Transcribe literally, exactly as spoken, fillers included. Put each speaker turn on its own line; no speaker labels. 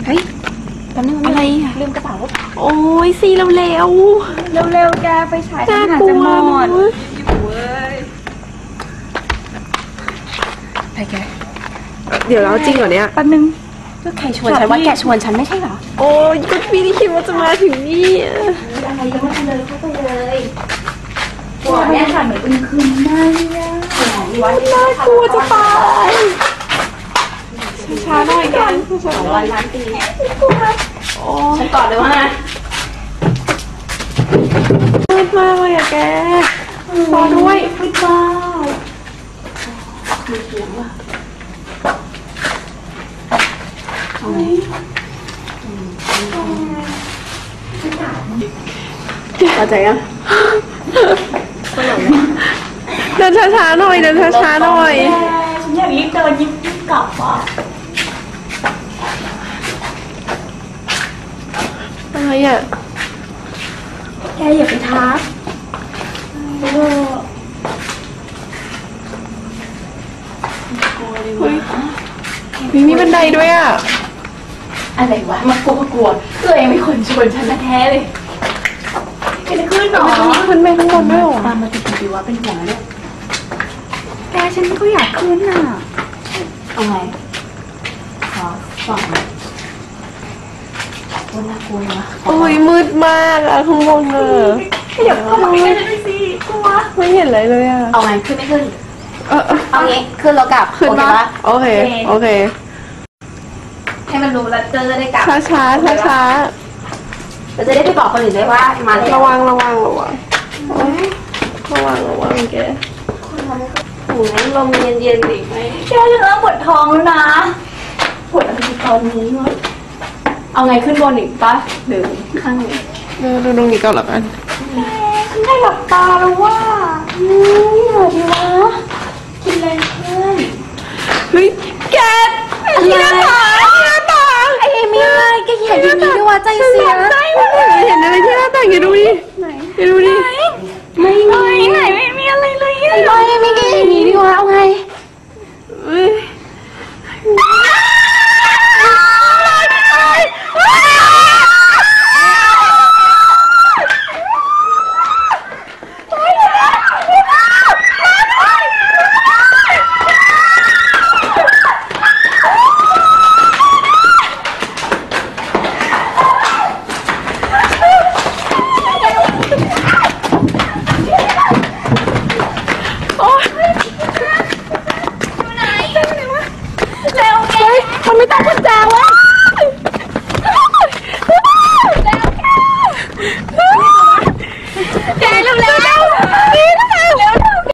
ฮ้ยแป๊บนึงอะไรอะลืมกระเป๋า
โอ้ยซีเร็วเร็ว
เร็วเร็วแกไปฉายทหารจะหมดไปแก
เดี๋ยวเราจริงเหรอเนี่ย
แป๊บนึงก็ใครชวนฉันว่าแกชวนฉันไม่ใช่เหรอ
โอ้ยก็พี่ที่คิดว่าจะมาถึงนี่
อะไรยังไม่เลยเข้าไปเลยกลัวเนี่ยค่ะเหมือนอึมครึมมากเนี่ย
น่ากลัวจะตายช้าๆหน่อยกัน
สองวันล้านปีฉันกอดเลยว่า
มืดมากเลยอะแกรอด้วย
มืดมากมีเสียงว่ะเข้าใจยัง
เดินช้าๆหน่อยเดินช้าๆหน่อย
ฉันอยากรีบเดินยิบกลับอ่ะ
อะไรอ่ะ
แกอย่าไปทัก
มีมีบันไดด้วยอ่ะ
อะไรวะมากลัวกลัวตัวเองเป็นคนชวนฉันแท้เลยจะขึ้นหรอ
ขึ้นไปข้างบนด้วยหรอ
ตามมาติดดีว่าเป็นห่วงเนี่ยแกฉันก็อยากขึ้นอ่ะเอาไงขอส่องโอ้น่ากลัวนะ
โอ้ยมืดมากอะข้างบนเลย
เดี๋ยวเข้ามาใกล้ๆสิกลัว
ไม่เห็นอะไรเลยอะ
เอาไงขึ้นไม่ขึ้นเออเอางี้ขึ้นแล้วกลับ
ขึ้นปะโอเคโอเค
ให้มันรู้แล้วเจอได้กลับ
ช้าช้าช้าช้า
เราจะได้ไปบอกคนอื่นได้ว่ามาแล้ว
ระวังระวังระวังระวังระวังแก
โอ้ยลมเย็นเย็นดิไหมแกจะเริ่มปวดท้องแล้วนะปวดอะไรตอนนี้วะเอาไงขึ้นบนอีกปะหรือข้างนี้
เออดูตรงนี้ก่อนละกัน
ฉันได้หลับตาแล้วว่านี่เหรอดีวะกินแรงเพื่อน
เฮ้ยแกที่หน้าต่างที่หน้าต่าง
ไอ้เอมี่อะไรแกเห็นอย่างนี้ด้วยว่าใจเสีย
เห็นอะไรที่หน้าต่างอย่าดูดิ
ไหน
อย่าดูดิ
ไม่มีไหนไม่มีอะไรเลยไอ้บอยไม่แกอย่างนี้ดีวะเอาไง
มันไม่ต้องกุญแจวะแกเร็วๆ